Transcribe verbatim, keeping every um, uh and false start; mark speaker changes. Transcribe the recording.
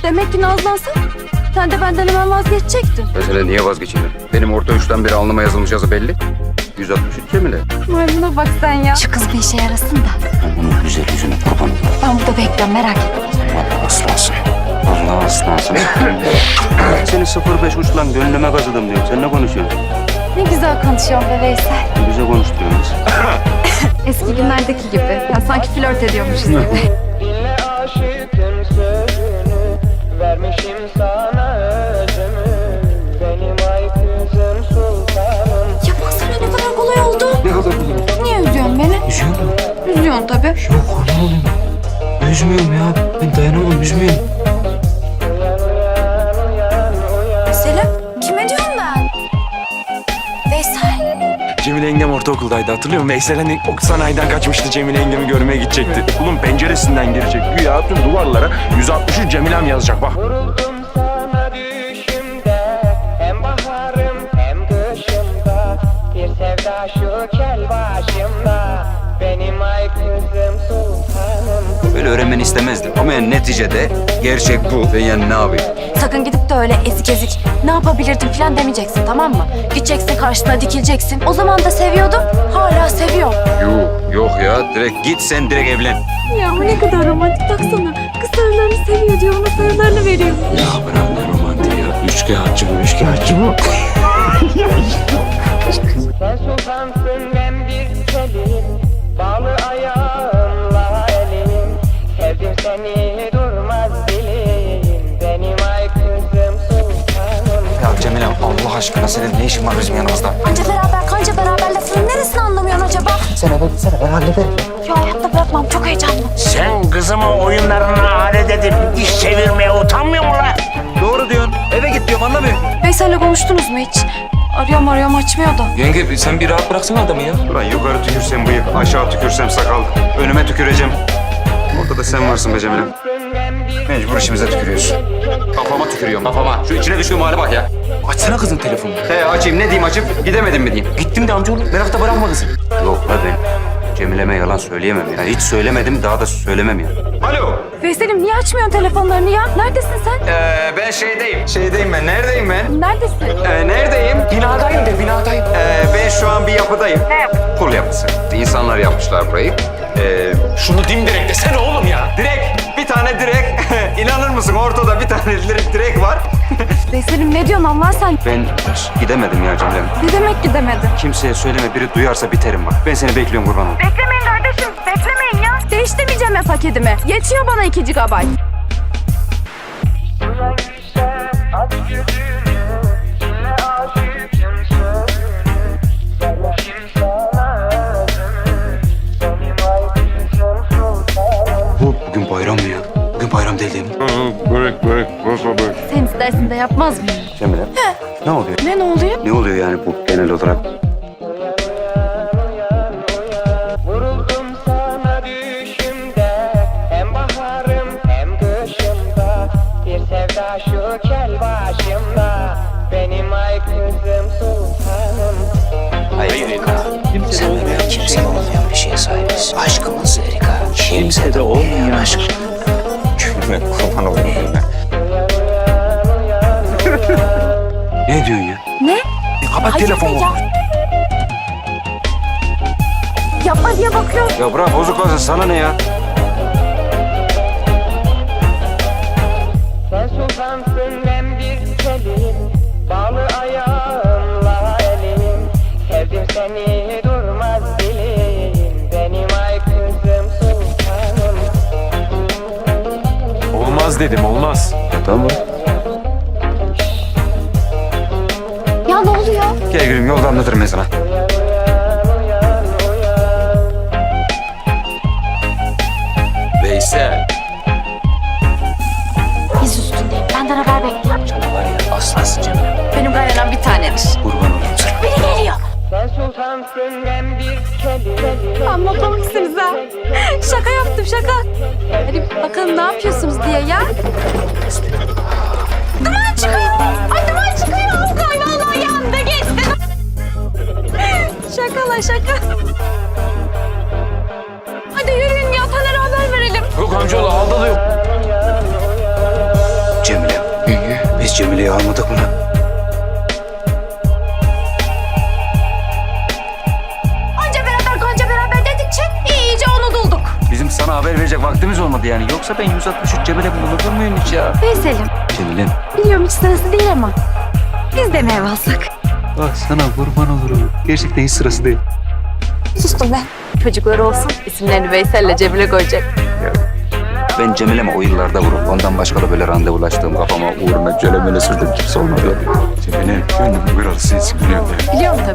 Speaker 1: Demek ki nazlansan sen de benden hemen vazgeçecektin.
Speaker 2: Mesela niye vazgeçeyim? Benim orta üçten beri alnıma yazılmış yazı belli. yüz altmış üç Cemile.
Speaker 1: Maymuna bak sen ya. Şu kız bir işe yarasın da.
Speaker 2: Ben bunun güzel yüzüne kurban olayım.
Speaker 1: Ben burada bekliyorum, merak etme.
Speaker 2: Vallahi aslansın. Vallahi aslansın. Seni sıfır beş uçlan gönlüme kazıdım diyorum. Sen ne konuşuyorsun?
Speaker 1: Ne güzel konuşuyorsun be Veysel.
Speaker 2: Bize konuşturuyoruz.
Speaker 1: Eski günlerdeki gibi. Ya sanki flört ediyormuşuz gibi.
Speaker 3: Dinle aşıkın sözünü, vermişim sana özümü. Benim ay kızım sultanım.
Speaker 1: Ya baksana ne kadar kolay oldu.
Speaker 2: Ne kadar kolay.
Speaker 1: Niye üzüyorsun beni?
Speaker 2: Üzüyor mu?
Speaker 1: Üzüyorsun tabii.
Speaker 2: Yok kurban olayım. Üzmüyorum ya. Ben dayanamam, üzmüyorum.
Speaker 3: Uyan uyan uyan uyan.
Speaker 1: Selim, kime diyorum ben? Veysel.
Speaker 4: Cemile yengem ortaokuldaydı, hatırlıyor musun? Veysel hani ok sanayiden kaçmıştı, Cemile yengemi görmeye gidecekti. Okulun penceresinden girecek. Güya tüm duvarlara yüz altmış üç Cemile'm yazacak bak.
Speaker 3: Vuruldum sana düşümde, hem baharım hem kışımda. Bir sevda şu kel başımda, benim ay kızım sultanım.
Speaker 2: Böyle öğrenmeni istemezdim. Ama yani neticede gerçek bu. Ben yani ne yapayım?
Speaker 1: Sakın gidip de öyle ezik ezik ne yapabilirdim falan demeyeceksin, tamam mı? Gideceksin karşısına dikileceksin. O zaman da seviyordum, hala seviyorum.
Speaker 2: Yok, yok ya. Direkt git sen direkt evlen.
Speaker 1: Ya ne kadar romantik, baksana. Kız sarılarını seviyor diyor, ona sarılarını veriyor.
Speaker 2: Ya bırak ne romantiği ya. Üçkağıtçı bu, üçkağıtçı bu.
Speaker 3: Sen sultansın ben bir kelim, bağlı ayağımla elim. Sevdim seni durmaz dilim, benim ay kızım sultanım.
Speaker 4: Ya Cemile Allah aşkına senin ne işin var bizim yanımızda?
Speaker 1: Anca beraber kanca beraber lafının neresini anlamıyorsun acaba?
Speaker 4: Sen eve gitsene, ben hallederim.
Speaker 1: Ya hayatta bırakmam, çok heyecanlı.
Speaker 5: Sen kızımı oyunlarına alet edip iş çevirmeye utanmıyor musun lan?
Speaker 2: Doğru diyorsun. Eve git diyorum, anlamıyor.
Speaker 1: Veysel'le konuştunuz mu hiç? Arıyorum arıyorum açmıyor da.
Speaker 4: Yenge sen bir rahat bıraksana adamı ya.
Speaker 2: Ulan yukarı tükürsem bıyık, aşağı tükürsem sakal. Önüme tüküreceğim. Ortada sen varsın be Cemile. Mecbur işimize tükürüyorsun. Kafama tükürüyorum, kafama. Şu içine düştüğüm hale bak ya.
Speaker 4: Açsana kızın telefonunu.
Speaker 2: He açayım, ne diyeyim açıp? Gidemedim mi diyeyim?
Speaker 4: Gittim de amcaoğlu, merakta bırakma kızı.
Speaker 2: Yok la ben Cemile'me yalan söyleyemem ya. Hiç söylemedim, daha da söylemem ya. Alo.
Speaker 1: Veysel'im niye açmıyorsun telefonlarını ya? Neredesin sen?
Speaker 2: Ee, ben şeydeyim. Şeydeyim ben. Neredeyim ben?
Speaker 1: Neredesin?
Speaker 2: Ee, neredeyim?
Speaker 4: Binadayım de, binadayım.
Speaker 2: Ee, ben şu an bir yapıdayım. Ne yapı? Kul yapısı. İnsanlar yapmışlar burayı. Ee,
Speaker 4: Şunu dimdirek desene oğlum ya.
Speaker 2: direkt, bir tane direk. İnanır mısın? Ortada bir tane direk, direk var.
Speaker 1: Veysel'im ne diyorsun Allah sen?
Speaker 2: Ben gidemedim ya Cemile'm.
Speaker 1: Ne demek gidemedin?
Speaker 2: Kimseye söyleme, biri duyarsa biterim bak. Ben seni bekliyorum kurban olayım.
Speaker 1: Beklemeyin kardeşim, beklemeyin ya. Değiştirmeyeceğim ya paketimi. Yetiyor bana iki gigabayt.
Speaker 3: Uyan güzel, aç gözünü, dinle aşıkın sözünü. Vermişim sana özümü, benim ay kızım sultanım.
Speaker 2: Bu bugün bayram mı ya? Bugün bayram değil değil mi?
Speaker 4: Börek, börek, börek, börek.
Speaker 1: Sen istersin de yapmaz mıyım?
Speaker 2: Cemile. Ne oluyor?
Speaker 1: Ne ne oluyor?
Speaker 2: Ne oluyor yani bu genel olarak?
Speaker 3: Uyan uyan uyan uyan, vuruldum sana düşümde, hem baharım hem kışımda. Bir sevda şu kel başımda, benim ay kızım sultanım.
Speaker 2: Hayır Erika.
Speaker 5: Sen ve ben kimsede olmayan bir şeye sahibiz. Aşkımız Erika. Kimsede olmayan aşk.
Speaker 4: Gülme, kurban olayım gülme.
Speaker 2: Ne diyorsun ya?
Speaker 1: Ne?
Speaker 4: Kapat
Speaker 1: Hayır
Speaker 4: telefonu.
Speaker 1: ya. Yapma diye bakıyorum.
Speaker 2: Ya bırak bozuklasın, sana ne ya?
Speaker 3: Sen sultansın ben bir kelim, bağlı ayağımla elim. Sevdim seni durmaz dilim, benim ay kızım sultanım.
Speaker 4: Olmaz dedim, olmaz.
Speaker 2: Tamam.
Speaker 1: Ya ne oluyor?
Speaker 2: Gel gülüm, yolda anlatırım ben sana.
Speaker 3: Uyan uyan uyan uyan.
Speaker 4: Veysel.
Speaker 1: Biz üstündeyim. Benden haber bekle.
Speaker 5: Canım var ya, aslansın Cemile.
Speaker 1: Benim kaynanam bir tanedir.
Speaker 2: Kurban olayım sana.
Speaker 1: Biri geliyor.
Speaker 3: Sen sultansın ben bir kelim.
Speaker 1: Amma komiksiniz ha. Şaka yaptım şaka. Hadi bakalım ne yapıyorsunuz diye ya. Duman çıkıyor. Ay duman çıkıyor. Kay vallahi yanında geçti. Şaka la şaka. Hadi yürüyün ya, Taner'e haber verelim.
Speaker 4: Yok amcaoğlu, aldalı yok.
Speaker 3: Uyan uyan uyan.
Speaker 2: Cemile'yi almadık mı lan?
Speaker 1: Anca beraber kanca beraber dedikçe iyice onu bulduk.
Speaker 2: Bizim sana haber verecek vaktimiz olmadı yani. Yoksa ben yüz altmış üç Cemile bulunur muyum hiç ya?
Speaker 1: Veysel'im
Speaker 2: Cemile.
Speaker 1: biliyorum hiç sırası değil ama biz de mi ev alsak?
Speaker 2: Bak sana kurban olurum. Gerçekten hiç sırası değil.
Speaker 1: Sustum ben. Çocukları olsun isimlerini Veysel'le Cemile koyacak.
Speaker 2: Ben Cemile'me o yıllarda vurup ondan başka da böyle randevulaştığım kafama uğruna Cemile'yle sürdüm kimse olmadı. Cemile gönlümün kralı sensin biliyorum ya.
Speaker 1: Biliyorum tabii.